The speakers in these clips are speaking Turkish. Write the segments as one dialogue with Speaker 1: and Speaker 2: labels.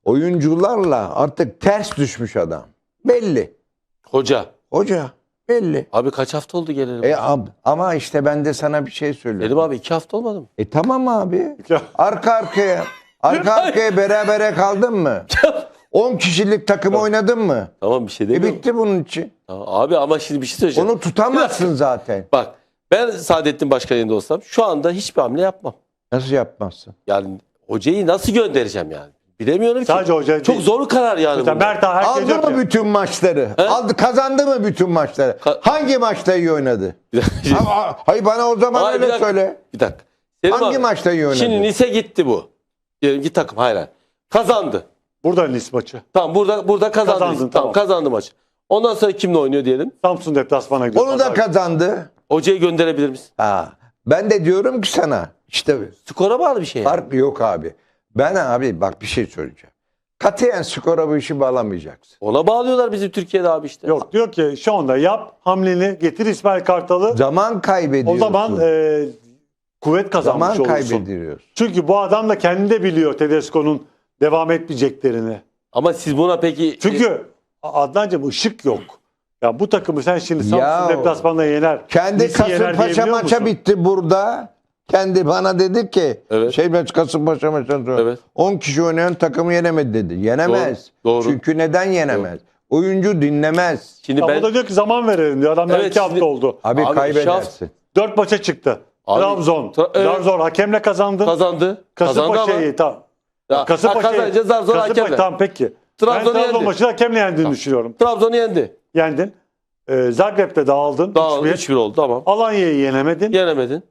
Speaker 1: oyuncularla artık ters düşmüş adam. Belli.
Speaker 2: Hoca.
Speaker 1: Hoca belli.
Speaker 2: Abi kaç hafta oldu gelelim?
Speaker 1: Ama işte ben de sana bir şey söylüyorum.
Speaker 2: Dedim abi 2 hafta olmadı mı?
Speaker 1: Tamam abi. Arka arkaya berabere kaldın mı? 10 kişilik takım oynadın mı?
Speaker 2: Tamam bir şey demiyorum.
Speaker 1: Bitti bunun için.
Speaker 2: Tamam, abi ama şimdi bir şey söyleyeceğim.
Speaker 1: Onu tutamazsın zaten.
Speaker 2: Bak ben Saadettin Başkan yerinde olsam şu anda hiçbir hamle yapmam.
Speaker 1: Nasıl yapmazsın?
Speaker 2: Yani hocayı nasıl göndereceğim yani? Bilemiyorum
Speaker 3: Sadece
Speaker 2: ki.
Speaker 3: hoca
Speaker 2: Çok
Speaker 3: değil.
Speaker 2: zor karar yani.
Speaker 3: Mesela
Speaker 2: bu.
Speaker 3: Mert Hakan herkes
Speaker 1: Aldı
Speaker 3: diyor
Speaker 1: mı
Speaker 3: ki,
Speaker 1: bütün maçları?
Speaker 2: He?
Speaker 1: Kazandı mı bütün maçları? Hangi maçta iyi oynadı? Hayır bana o zaman
Speaker 2: Hayır,
Speaker 1: öyle söyle.
Speaker 2: Bir dakika. Selim
Speaker 1: Hangi
Speaker 2: abi,
Speaker 1: maçta iyi oynadı?
Speaker 2: Şimdi Nice gitti bu. Diyelim ki takım hayır. Kazandı.
Speaker 3: burada Nice maçı.
Speaker 2: Tamam burada kazandı.
Speaker 3: Kazandın,
Speaker 2: Tamam
Speaker 3: tamam.
Speaker 2: kazandı maçı. Ondan sonra kimle oynuyor diyelim?
Speaker 3: Samsun deplasmana gidiyor.
Speaker 1: Onu da kazandı.
Speaker 2: Hocayı gönderebilir misin?
Speaker 1: Ben de diyorum ki sana işte
Speaker 2: Skora bağlı bir şey. Yani.
Speaker 1: fark yok abi. Ben abi bak bir şey söyleyeceğim. Katiyen skora bu işi bağlamayacaksın.
Speaker 2: Ona bağlıyorlar bizi Türkiye'de abi işte.
Speaker 3: Yok diyor ki şu anda yap hamleni getir İsmail Kartal'ı.
Speaker 1: Zaman kaybediyorsun.
Speaker 3: O zaman kuvvet kazanmış
Speaker 1: zaman
Speaker 3: olursun.
Speaker 1: kaybediyorsun.
Speaker 3: Çünkü bu adam da kendi de biliyor Tedesco'nun devam etmeyeceklerini.
Speaker 2: Ama siz buna peki...
Speaker 3: Çünkü Adnancığım ışık yok. Ya bu takımı sen şimdi Samsun deplasmanla yener.
Speaker 1: Kendi
Speaker 3: Nice'i yener
Speaker 1: Kasımpaşa
Speaker 3: diyebiliyor
Speaker 1: maça
Speaker 3: musun?
Speaker 1: bitti burada. Kendi bana dedi ki
Speaker 2: Evet.
Speaker 1: Kasımpaşa maçından sonra
Speaker 2: Evet.
Speaker 1: 10 kişi oynayan takımı yenemedi dedi. Yenemez.
Speaker 2: Doğru.
Speaker 1: Çünkü neden yenemez? Oyuncu dinlemez.
Speaker 2: Şimdi
Speaker 3: Ya
Speaker 2: ben...
Speaker 3: o da diyor ki zaman verelim diyor. Adamlar
Speaker 2: Evet,
Speaker 3: 2 hafta
Speaker 2: şimdi-
Speaker 3: oldu.
Speaker 1: Abi
Speaker 2: Abi,
Speaker 1: kaybedersin.
Speaker 3: 4 maça çıktı.
Speaker 2: Abi,
Speaker 3: Trabzon.
Speaker 2: evet.
Speaker 3: Trabzon hakemle kazandın.
Speaker 2: Kazandı. Kazandı ama...
Speaker 3: Kasımpaşa'yı tamam.
Speaker 2: Ya, kazanınca zar zor hakemle.
Speaker 3: Tamam peki.
Speaker 2: Trabzon'u
Speaker 3: Ben Trabzon
Speaker 2: yendi.
Speaker 3: maçını hakemle yendiğini düşünüyorum.
Speaker 2: Trabzon'u yendi.
Speaker 3: Yendin. Zagreb'de dağıldın.
Speaker 2: Dağıldı
Speaker 3: 3-1.
Speaker 2: 3-1 oldu tamam.
Speaker 3: Alanya'yı yenemedin.
Speaker 2: Yenemedin.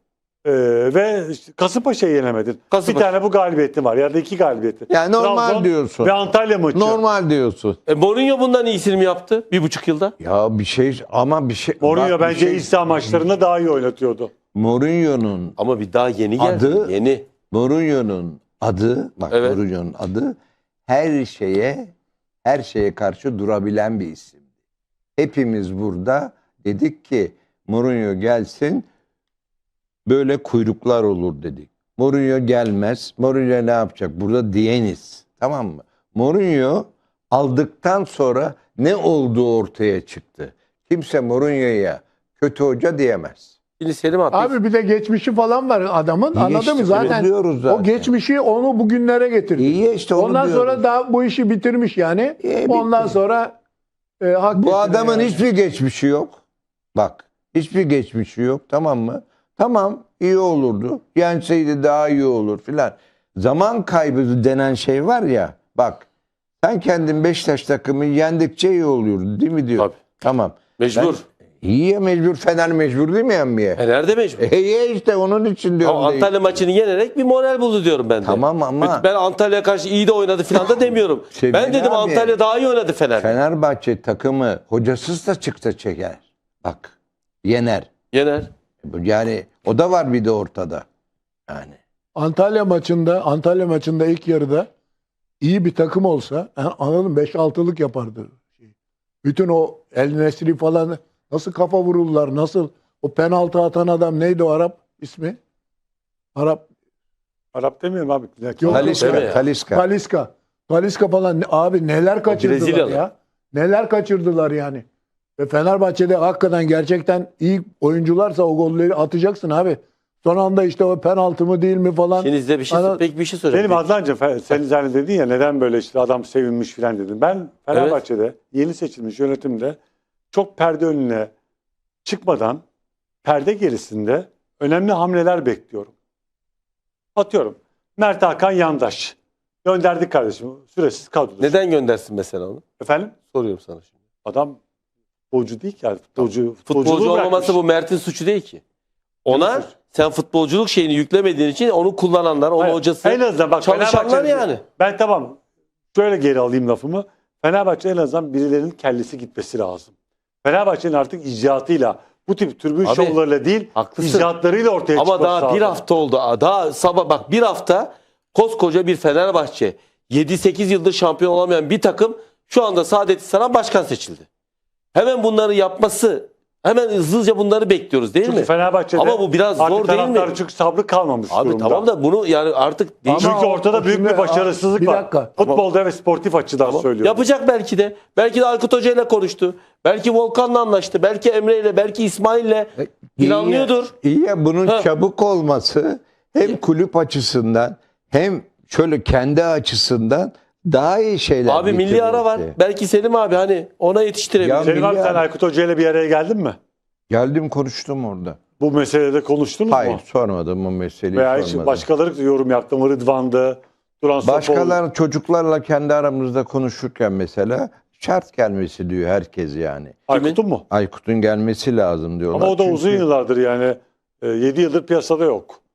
Speaker 3: Ve işte Kasımpaşa'yı yenemedin.
Speaker 2: Kasımpaşa.
Speaker 3: Bir tane bu galibiyetin var. Ya da 2 galibiyetin.
Speaker 1: Yani normal
Speaker 3: Trabzon
Speaker 1: diyorsun.
Speaker 3: Ve Antalya maçı.
Speaker 1: Normal diyorsun.
Speaker 2: Mourinho bundan iyisini mi yaptı? 1,5 yılda.
Speaker 1: Ya bir şey ama bir şey.
Speaker 3: Mourinho
Speaker 1: bak bir
Speaker 3: bence iç saha maçlarında daha iyi oynatıyordu.
Speaker 2: Ama bir daha yeni geldi. Yeni.
Speaker 1: Mourinho'nun adı
Speaker 2: Evet.
Speaker 1: Mourinho'nun adı her şeye karşı durabilen bir isim. Hepimiz burada dedik ki Mourinho gelsin böyle kuyruklar olur dedik. Mourinho gelmez. Mourinho ne yapacak? Burada diyeniz. Tamam mı? Mourinho aldıktan sonra ne olduğu ortaya çıktı. Kimse Mourinho'ya kötü hoca diyemez.
Speaker 2: Şimdi Selim abi.
Speaker 4: Abi bir de geçmişi falan var adamın.
Speaker 1: İyi
Speaker 4: Anladın
Speaker 1: işte,
Speaker 4: mı? Zaten,
Speaker 1: onu diyoruz zaten.
Speaker 4: o geçmişi onu bugünlere getirdi.
Speaker 1: İyi işte onu
Speaker 4: Ondan
Speaker 1: diyoruz.
Speaker 4: sonra da bu işi bitirmiş yani.
Speaker 1: Bitti.
Speaker 4: Ondan sonra hak
Speaker 1: Bu
Speaker 4: getire
Speaker 1: adamın
Speaker 4: yani.
Speaker 1: hiçbir geçmişi yok. Bak hiçbir geçmişi yok, tamam mı? Tamam, iyi olurdu. Yenseydi daha iyi olur filan. Zaman kaybı denen şey var ya, bak sen kendin Beşiktaş takımı yendikçe iyi oluyordu değil mi diyor.
Speaker 2: Tabii.
Speaker 1: Tamam.
Speaker 2: Mecbur.
Speaker 1: İyi ya, mecbur. Fener mecbur değil mi yenmeye?
Speaker 2: Nerede mecbur?
Speaker 1: İyi işte onun için diyorum.
Speaker 2: Ama Antalya maçını yenerek bir moral buldu diyorum ben de.
Speaker 1: Tamam ama-
Speaker 2: Ben Antalya'ya karşı iyi de oynadı falan da demiyorum.
Speaker 1: Sevgili
Speaker 2: Ben dedim
Speaker 1: abi,
Speaker 2: Antalya daha iyi oynadı Fener.
Speaker 1: Fenerbahçe takımı hocasız da çıksa çeker. Bak yener.
Speaker 2: Yener.
Speaker 1: Yani o da var bir de ortada. Yani.
Speaker 4: Antalya maçında ilk yarıda iyi bir takım olsa anladın mı? 5-6'lık yapardı. Bütün o El Nesri falan nasıl kafa vururlar, nasıl o penaltı atan adam neydi o Arap ismi?
Speaker 3: Arap demiyorum abi.
Speaker 4: Yok,
Speaker 2: deme ya.
Speaker 1: Talisca.
Speaker 4: Talisca falan abi neler kaçırdılar
Speaker 2: Brezilyalı.
Speaker 4: ya. Neler kaçırdılar yani. Ve Fenerbahçe'de hakikaten gerçekten iyi oyuncularsa o golleri atacaksın abi. Son anda işte o penaltı mı değil mi falan.
Speaker 2: Şimdi size bir şey söyleyeyim.
Speaker 3: Benim Adnancığım sen hani dedin ya neden böyle işte adam sevinmiş filan dedin. Ben Fenerbahçe'de yeni seçilmiş yönetimde çok perde önüne çıkmadan perde gerisinde önemli hamleler bekliyorum. Atıyorum. Mert Hakan Yandaş. Gönderdik kardeşim. Süresiz kadro.
Speaker 2: Neden göndersin mesela onu?
Speaker 3: Efendim?
Speaker 2: Soruyorum sana şimdi.
Speaker 3: Adam futbolcu değil ki. Yani
Speaker 2: Futbolcu
Speaker 3: futbolculuğu
Speaker 2: olmaması
Speaker 3: bırakmış.
Speaker 2: bu Mert'in suçu değil ki. Ona
Speaker 3: suç?
Speaker 2: sen futbolculuk şeyini yüklemediğin için onu kullananlar, onun
Speaker 3: Hayır,
Speaker 2: hocası,
Speaker 3: en azından bak
Speaker 2: çalışanlar
Speaker 3: Fenerbahçe-
Speaker 2: yani.
Speaker 3: Ben tamam. Şöyle geri alayım lafımı. Fenerbahçe en azından birilerinin kellesi gitmesi lazım. Fenerbahçe'nin artık icraatıyla bu tip tribün
Speaker 2: Abi,
Speaker 3: şovlarıyla değil,
Speaker 2: haklısın.
Speaker 3: icraatlarıyla ortaya
Speaker 2: Ama
Speaker 3: çıkması
Speaker 2: daha
Speaker 3: lazım.
Speaker 2: bir hafta oldu. Daha sabah bak bir hafta koskoca bir Fenerbahçe 7-8 yıldır şampiyon olamayan bir takım şu anda Saadettin Saran başkan seçildi. Hemen bunları yapması Hemen hızlıca bunları bekliyoruz değil
Speaker 3: Çünkü
Speaker 2: mi?
Speaker 3: Fenerbahçe'de
Speaker 2: Ama bu biraz
Speaker 3: artık
Speaker 2: zor değil mi?
Speaker 3: taraftarın çünkü sabrı kalmamış
Speaker 2: Abi
Speaker 3: durumda.
Speaker 2: tamam da bunu yani artık değişik.
Speaker 3: Çünkü ortada büyük
Speaker 4: şimdi-
Speaker 3: bir başarısızlık
Speaker 4: bir
Speaker 3: var.
Speaker 4: dakika.
Speaker 3: Futbolda ve sportif açıdan
Speaker 2: Tamam.
Speaker 3: söylüyorum.
Speaker 2: Yapacak belki de. Belki de Aykut Hoca ile konuştu. Belki Volkan'la anlaştı. Belki Emre ile, belki İsmail'le planlıyordur.
Speaker 1: İyi ya bunun
Speaker 2: Ha.
Speaker 1: çabuk olması hem kulüp açısından hem şöyle kendi açısından daha iyi şeyler
Speaker 2: Abi milli ara var.
Speaker 1: getirirdi.
Speaker 2: Belki Selim abi hani ona yetiştirebilir.
Speaker 1: Ya-
Speaker 3: Selim abi
Speaker 1: milli
Speaker 3: sen
Speaker 1: ara-
Speaker 3: Aykut Hoca ile bir araya geldin mi?
Speaker 1: Geldim konuştum orada.
Speaker 3: Bu meselede konuştunuz
Speaker 1: Hayır
Speaker 3: mu?
Speaker 1: sormadım o meseleyi
Speaker 3: Veya hiç
Speaker 1: sormadım.
Speaker 3: başkaları da yorum yaptı mı? Rıdvan'dı, Duran Sofoğlu.
Speaker 1: Başkaları çocuklarla kendi aramızda konuşurken mesela şart gelmesi diyor herkes yani.
Speaker 3: Aykut'un mu?
Speaker 1: Aykut'un gelmesi lazım diyorlar.
Speaker 3: Ama o da uzun
Speaker 1: Çünkü
Speaker 3: yıllardır yani 7 yıldır piyasada yok.